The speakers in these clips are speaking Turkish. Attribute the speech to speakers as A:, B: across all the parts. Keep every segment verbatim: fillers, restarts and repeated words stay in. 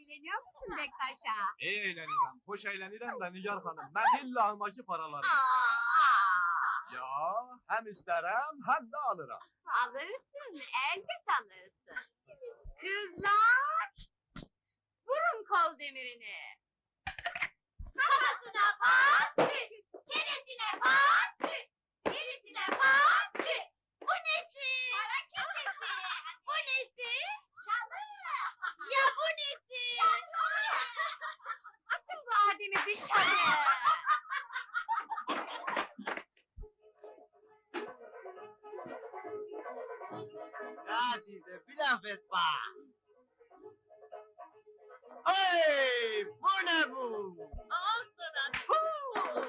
A: eğleniyor musun Bektaş'a?
B: İyi eğleneceğim, hoş eğlenirim de Nigar Hanım. Ben illa almacı paraları isterim.
A: Aa,
B: Ya hem isterim hem de alırım.
A: alırsın, elbet alırsın. Kızlar, vurun kol demirini. Kafasına patlı, çenesine patlı, gerisine patlı. Bu nesi? Para kesesi. Bu nesi? Şalı. Ya bu nesi? Şalı. Atın bu ademi dışarı.
C: Hadi de bir laf et bak. Hey, bu ne bu? Al sana tuğ!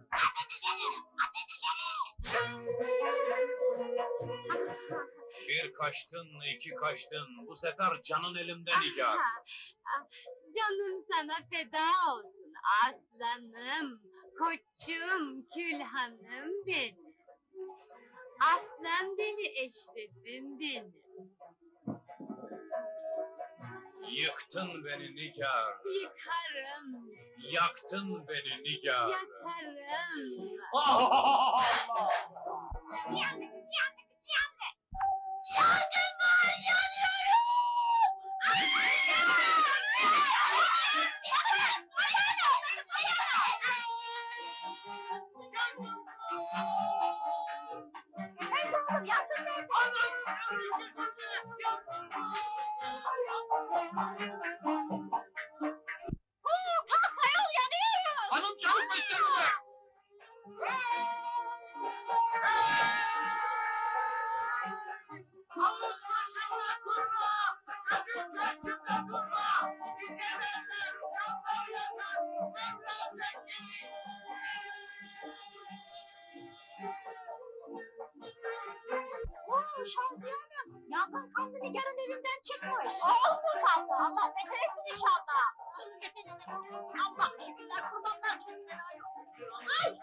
B: Bir kaçtın, iki kaçtın. Bu sefer canın elimde Nigar.
A: Ah, canım sana feda olsun aslanım, koçum, külhanım benim. Aslan deli eşrefim benim.
B: Yıktın beni Nigar.
A: Yıkarım,
B: Yaktın beni Nigar.
A: yakarım.
B: Allah!
A: Yandık, yandık, yandık. Yandım var, yanıyorum. Efendim oğlum, yandın nerede? Oo, kalk ayol, yanıyorum.
C: Hanım çabuk gösterme! Havuz başında kurma! Sakın karşımda durma! Bize derler, canlar yakar! Mevla tekleri!
A: Oo, Şaziye Hanım, yangın kanlı Nigar'ın evinden çıkmış. Olsun kaldı, Allah beter etsin inşallah. Allah şükürler, kurbanlar kendine ayol. Ay!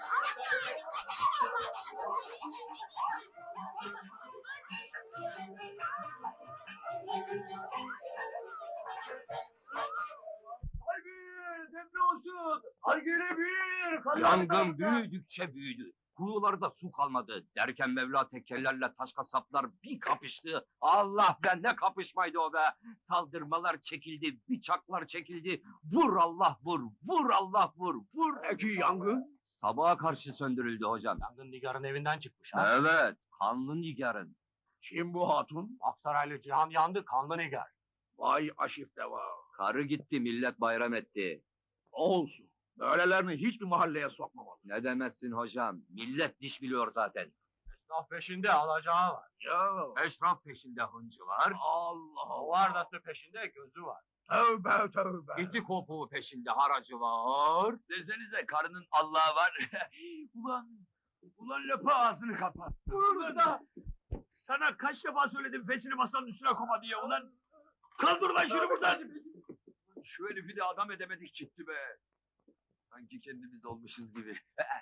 C: Hayır, demli olsun! Argüle bir!
D: Yangın büyüdükçe büyüdü. Kuyularda su kalmadı. Derken Mevla tekkellerle taş kasaplar bir kapıştı. Allah be, ne kapışmaydı o be. Saldırmalar çekildi, bıçaklar çekildi. Vur Allah vur, vur Allah vur, vur.
C: Peki yangın?
D: Sabaha karşı söndürüldü hocam.
C: Yangın Nigar'ın evinden çıkmış
D: Evet, kanlı Nigar'ın.
C: Kim bu hatun? Aksaraylı Cihan yandı, kanlı Nigar. Vay aşif deva.
D: Karı gitti, millet bayram etti.
C: Olsun. Böylelerini hiçbir mahalleye sokmamalı.
D: Ne demezsin hocam, millet diş biliyor zaten.
C: Esnaf peşinde alacağı var. Ya
D: Eşraf peşinde hıncı var.
C: Allah Allah.
B: Vardası peşinde gözü var.
C: Tövbe tövbe.
D: İti kopuğu peşinde haracı var.
C: Desenize karının Allah'ı var. ulan, ulan lapa ağzını kapat. Burada. Sana kaç defa söyledim feçini masanın üstüne koma diye ulan. Kaldır lan şunu buradan. Şu herifi de adam edemedik gitti be.
D: Sanki kendimiz olmuşuz gibi.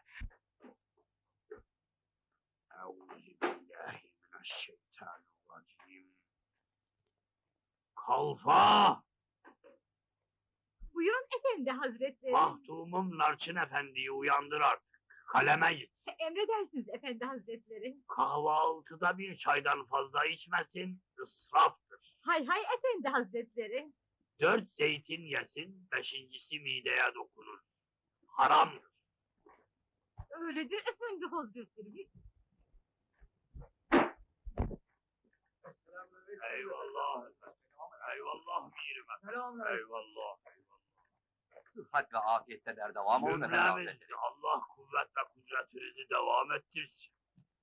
C: Euzubillahimineşşeytanirracim. Kalfa!
A: Buyurun efendi hazretleri.
C: Mahdumum Narçın Efendi'yi uyandır artık. Kaleme git.
A: Emredersiniz efendi hazretleri.
C: Kahvaltıda bir çaydan fazla içmesin, ısraftır.
A: Hay hay efendi hazretleri.
C: Dört zeytin yesin, beşincisi mideye dokunur. Haramdır.
A: Öyledir efendi hazretleri.
C: Eyvallah. Eyvallah mirim efendim. Eyvallah.
D: Sıhhat ve afiyette der devam olun efendim
C: Cümlemiz
D: hazretleri.
C: Allah kuvvet ve kudretinizi devam ettirsin.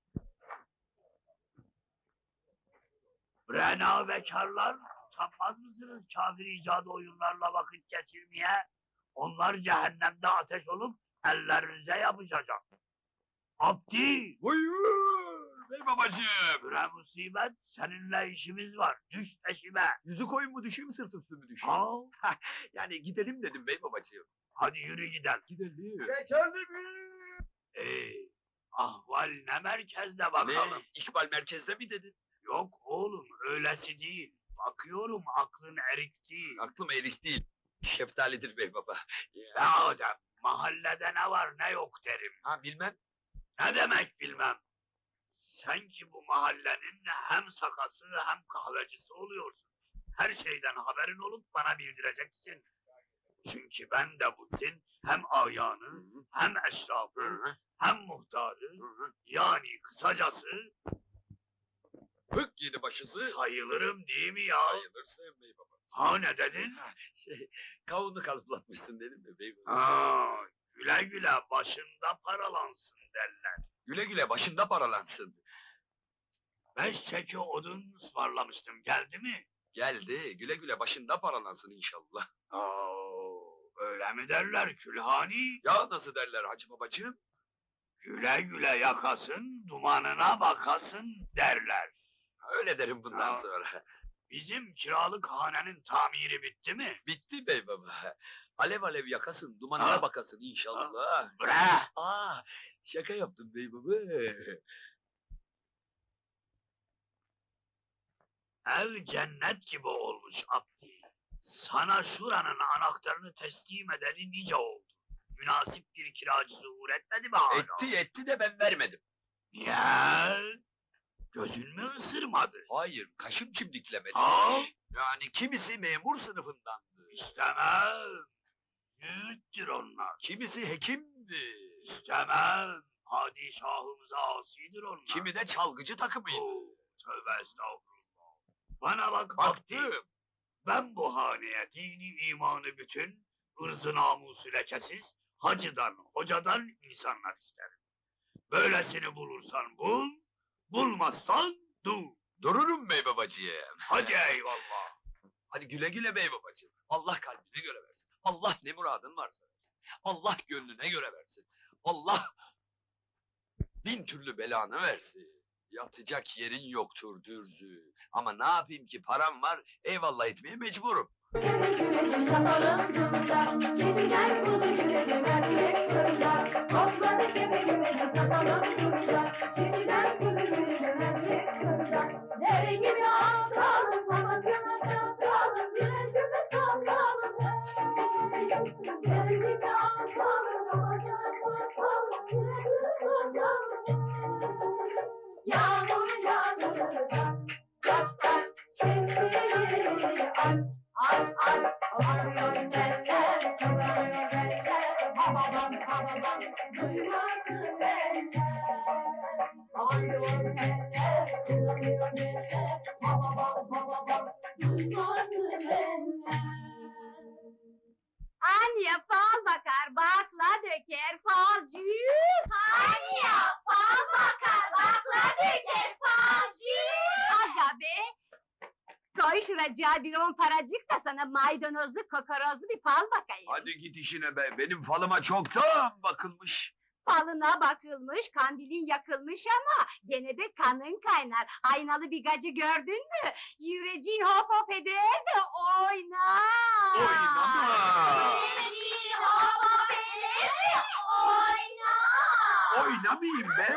C: Brena bekarlar, utanmaz mısınız kafir icadı oyunlarla vakit geçirmeye? Onlar cehennemde ateş olup ellerinize yapışacak. Abdi!
B: Buyur bey babacığım.
C: Bre musibet, seninle işimiz var. Düş peşime.
B: Yüzü koyun mu düşeyim sırt üstü mü düşeyim?
C: Al,
B: Yani gidelim dedim bey babacığım.
C: hadi yürü gidelim.
B: Gidelim.
C: Şekerli bir! Ee, ahval ne merkezde bakalım?
B: İkbal merkezde mi dedin?
C: Yok oğlum, öylesi değil. Bakıyorum aklın erik değil.
B: Aklım erik değil.
C: Şeftalidir bey baba.
E: Ya adam, mahallede ne var ne yok derim.
C: Ha bilmem.
E: Ne demek bilmem. Sen ki bu mahallenin hem sakası hem kahvecisi oluyorsun. Her şeyden haberin olup bana bildireceksin. Çünkü ben de Butin hem ağyanı, hem eşrafı, hem muhtarı, yani kısacası
C: Hık yedi başısı.
E: sayılırım değil mi ya?
C: Sayılırsın bey baba.
E: Ha ne dedin?
C: Şey, kavunu kalıplatmışsın dedim mi bey baba?
E: Ha, güle güle başında paralansın derler.
C: Güle güle başında paralansın.
E: Beş çeki odun ısmarlamıştım, geldi mi?
C: Geldi, güle güle başında paralansın inşallah.
E: Oo, öyle mi derler külhani?
C: Ya nasıl derler hacı babacığım?
E: Güle güle yakasın, dumanına bakasın derler.
C: Öyle derim bundan
E: Ya.
C: sonra.
E: Bizim kiralık hanenin tamiri bitti mi?
C: Bitti bey baba. Alev alev yakasın, dumanına
E: Ha.
C: bakasın inşallah.
E: Bre!
C: Aa, şaka yaptım bey baba.
E: Ev cennet gibi olmuş Abdi. Sana şuranın anahtarını teslim edeli nice oldu. Münasip bir kiracı zuhur etmedi mi hala?
C: Etti etti de ben vermedim.
E: Ya, gözün mü ısırmadı?
C: Hayır, kaşım çimdiklemedi.
E: Ha?
C: Yani kimisi memur sınıfındandı.
E: İstemem. Züğüttür onlar.
C: Kimisi hekimdi.
E: İstemem. Padişahımıza asidir onlar.
C: Kimi de çalgıcı takımıydı.
E: Oo, tövbe estağfurullah. Bana bak Abdi.
C: Baktım.
E: Ben bu haneye dini imanı bütün, ırzı namusu lekesiz, hacıdan, hocadan insanlar isterim. Böylesini bulursan bul, bulmazsan dur.
C: Dururum bey babacığım.
E: Hadi eyvallah.
C: Hadi güle güle bey babacığım. Allah kalbine göre versin. Allah ne muradın varsa versin. Allah gönlüne göre versin. Allah bin türlü belanı versin. Yatacak yerin yoktur dürzü. Ama ne yapayım ki param var, eyvallah etmeye mecburum.
F: Kapalı durumda, geceler bunu gülelim erkek kızlar. Topladı gibi gibi kapalı durumda, geceler bunu gülelim erkek kızlar. Deri gibi aptalım, havasına çaptalım, direncime sakalım. Deri gibi aptalım, havasına çaptalım, direncime sakalım. Yağmur yağdı, taş taş çektiği aç. Aç aç akıyor eller, kıvranıyor eller, havadan havadan duymasın eller. Akıyor eller, kıvranıyor eller, havadan havadan duymasın eller.
A: Anya fal bakar, bakla döker, falcı. Anya fal bakar, bakla döker, falcı. Aga be! Koy şuracığa bir on paracık da sana maydanozlu, kokorozlu bir fal bakayım.
C: Hadi git işine be, benim falıma çoktan bakılmış.
A: Falına bakılmış, kandilin yakılmış ama gene de kanın kaynar. Aynalı bir gacı gördün mü? Yüreğin hop hop eder de oynar.
C: Oynama!
A: Yüreğin hop hop eder de oynar.
C: Oynamayayım be!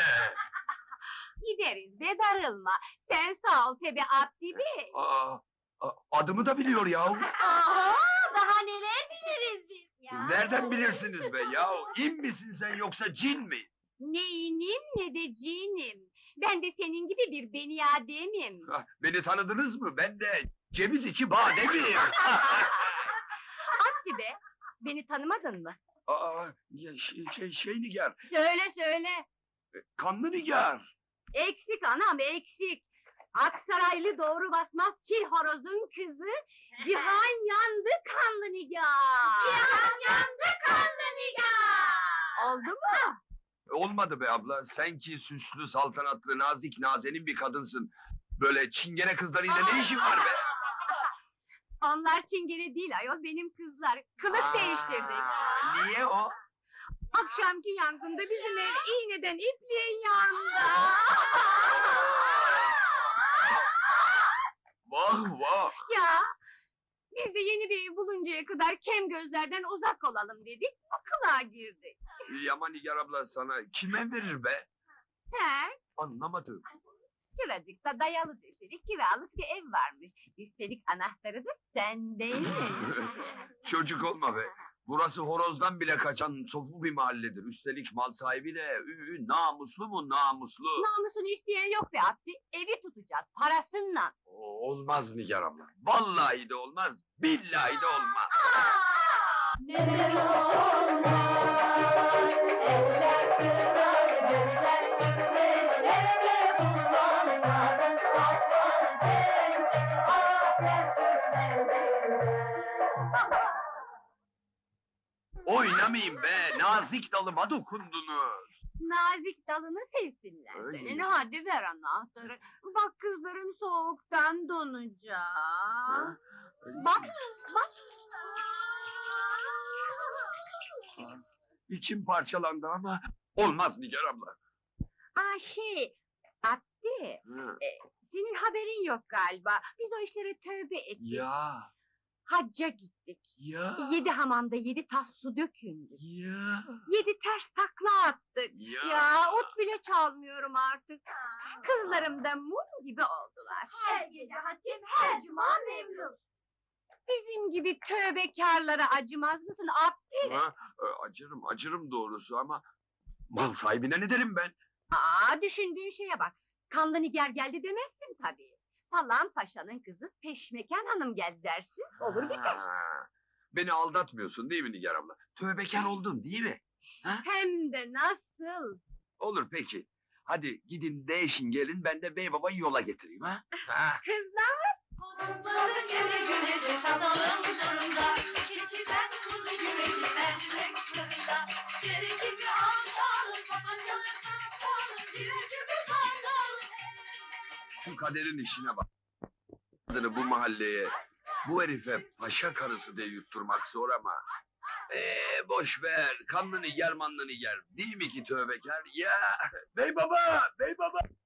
A: Gideriz be darılma. Sen sağ ol Tebe Abdi Bey.
C: Aa, a- adımı da biliyor yahu.
A: Aha, daha neler biliriz biz ya.
C: Nereden bilirsiniz be yahu? İn misin sen yoksa cin mi?
A: Ne inim ne de cinim. Ben de senin gibi bir beni ademim.
C: Ah, beni tanıdınız mı? Ben de ceviz içi bademiyim.
A: Abdi be, beni tanımadın mı?
C: Aa, ya şey, şey, şey nigar,
A: Söyle söyle.
C: kanlı nigar.
A: Eksik anam eksik. Aksaraylı doğru basmaz çil horozun kızı. Cihan yandı kanlı nigar. Cihan yandı kanlı nigar. Oldu mu?
C: Olmadı be abla, sen ki süslü, saltanatlı, nazik, nazenin bir kadınsın. Böyle çingene kızlarıyla ne işin var be?
A: Onlar çingene değil ayol benim kızlar. Kılık
C: Aa,
A: değiştirdik.
C: Niye o?
A: Akşamki yangında bizim ev iğneden ipliğin yandı.
C: Vah vah!
A: Ya biz de yeni bir ev buluncaya kadar kem gözlerden uzak olalım dedik. O kılığa girdik.
C: Yaman nigar abla sana kime verir be?
A: He?
C: Anlamadım.
A: Şuracıkta dayalı döşeli kiralık bir ev varmış. Üstelik anahtarı da sendeymiş.
C: Çocuk olma be. Burası horozdan bile kaçan sofu bir mahalledir. Üstelik mal sahibi de ü, ü, namuslu mu namuslu.
A: Namusunu isteyen yok be Abdi. Evi tutacağız parasınla.
C: O- Olmaz Nigar abla. Vallahi de olmaz. Billahi de olmaz.
F: Neden olmaz? Eller kırar, gözler sürmez. Nerede bulmanlardan aslan sen? Aslan sürmez.
C: Oynamayın be. Nazik dalıma dokundunuz.
A: Nazik dalını sevsinler
C: Öyle
A: senin.
C: mi?
A: Hadi ver anahtarı. Bak kızlarım soğuktan donacak. Bak, bak.
C: İçim parçalandı ama olmaz Nigar abla.
A: Aa şey, Abdi,
C: Hı.
A: senin haberin yok galiba. Biz o işlere tövbe ettik.
C: Ya,
A: Hacca gittik.
C: ya,
A: Yedi hamamda yedi tas su dökündü.
C: ya,
A: Yedi ters takla attık.
C: ya.
A: Ya ot bile çalmıyorum artık. Kızlarım da mum gibi oldular.
F: Her gece hatim, her cuma memnun.
A: Bizim gibi tövbekarlara acımaz mısın Abdi?
C: Ha, e, acırım, acırım doğrusu ama mal sahibine ne derim ben?
A: Aa, düşündüğün şeye bak. Kanlı Nigar geldi demezsin tabii. Falan Paşa'nın kızı Peşmeken Hanım geldi dersin. Olur biter.
C: Ha, beni aldatmıyorsun değil mi Nigar abla? Tövbekar oldun değil mi?
A: Hem de nasıl?
C: Olur peki. Hadi gidin değişin gelin ben de bey babayı yola getireyim ha. Ha.
A: Kızlar!
F: Horozladık güle güle satalım durumda. Keçiden kuzu güveci mercimek fırında. Deri gibi alçalım, papatyalı kaptalım. Birer gibi mandalım.
C: Şu kaderin işine bak. Adını bu mahalleye, bu herife paşa karısı diye yutturmak zor ama. Eee boş ver, kanlı nigar manlı nigar. Değil mi ki tövbekar? Ya bey baba, bey baba.